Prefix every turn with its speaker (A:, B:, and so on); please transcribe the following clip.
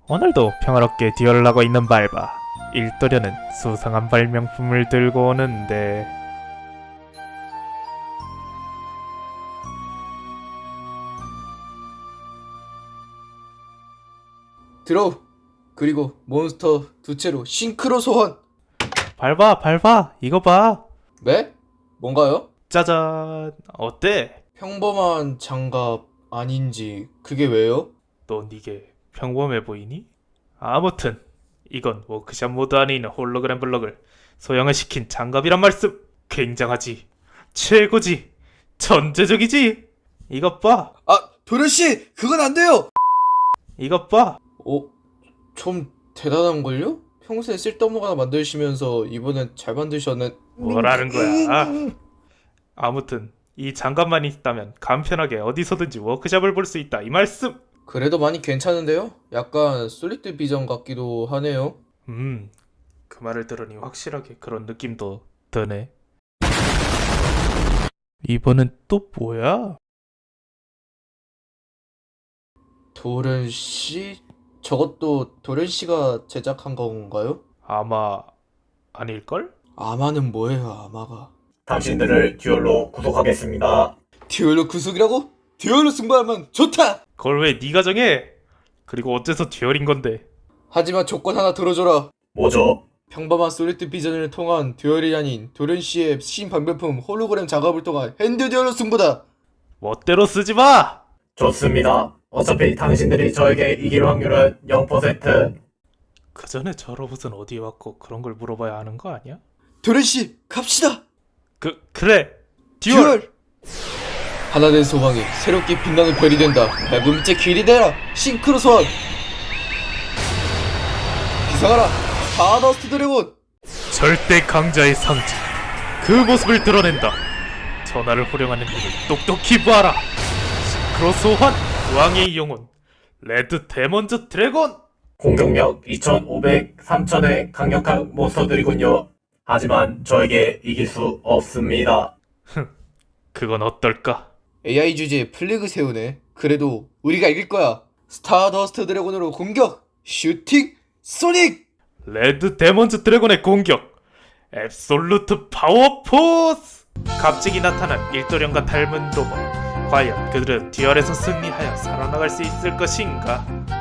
A: 오늘도 평화롭게 듀얼을 하고 있는 발바. 일도련은 수상한 발명품을 들고 오는데
B: 드로우 그리고 몬스터 두 채로 싱크로 소환.
A: 발바 이거 봐.
B: 네? 뭔가요?
A: 짜잔. 어때?
B: 평범한 장갑 아닌지 그게 왜요?
A: 넌 이게 평범해 보이니? 아무튼 이건 워크샵 모드 안에 있는 홀로그램 블럭을 소형화 시킨 장갑이란 말씀. 굉장하지, 최고지, 천재적이지. 이것 봐,
B: 아, 도련씨! 그건 안 돼요!
A: 이것 봐.
B: 좀 대단한걸요? 평소에 쓸데없는 거 하나 만드시면서 이번엔 잘 만드셨네.
A: 뭐라는 거야? 아무튼 이 장갑만 있다면 간편하게 어디서든지 워크샵을 볼 수 있다 이 말씀.
B: 그래도 많이 괜찮은데요? 약간 솔리드 비전 같기도 하네요.
A: 그 말을 들으니 확실하게 그런 느낌도 드네. 이번엔 또 뭐야?
B: 도련씨? 저것도 도련씨가 제작한 건가요?
A: 아마 아닐걸?
B: 아마는 뭐예요, 아마가?
C: 당신들을 듀얼로 구속하겠습니다.
B: 듀얼로 구속이라고? 듀얼로 승부하면 좋다!
A: 그걸 왜 네가 정해? 그리고 어째서 듀얼인 건데?
B: 하지만 조건 하나 들어줘라.
C: 뭐죠?
B: 평범한 솔리드 비전을 통한 듀얼이 아닌 도련씨의 신방별품 홀로그램 작업을 통한 핸드 듀얼로 승부다.
A: 멋대로 쓰지 마!
C: 좋습니다. 어차피 당신들이 저에게 이길 확률은 0%.
A: 그 전에 저 로봇은 어디에 왔고 그런 걸 물어봐야 하는 거 아니야?
B: 도련씨 갑시다.
A: 그래! 듀얼!
B: 하나된 소망이 새롭게 빛나는 별이 된다. 밝은 빛의 길이 되라. 싱크로 소환. 기상하라. 스타더스트 드래곤.
A: 절대 강자의 상징, 그 모습을 드러낸다. 전하를 호령하는 힘을 똑똑히 보아라. 싱크로 소환, 왕의 영혼 레드 데몬즈 드래곤.
C: 공격력 2500, 3000의 강력한 몬스터들이군요. 하지만 저에게 이길 수 없습니다.
A: 그건 어떨까?
B: AI 주제에 플래그 세우네. 그래도 우리가 이길 거야. 스타더스트 드래곤으로 공격. 슈팅. 소닉.
A: 레드 데몬즈 드래곤의 공격, 앱솔루트 파워 포스. 갑자기 나타난 일도령과 닮은 로봇. 과연 그들은 듀얼에서 승리하여 살아나갈 수 있을 것인가?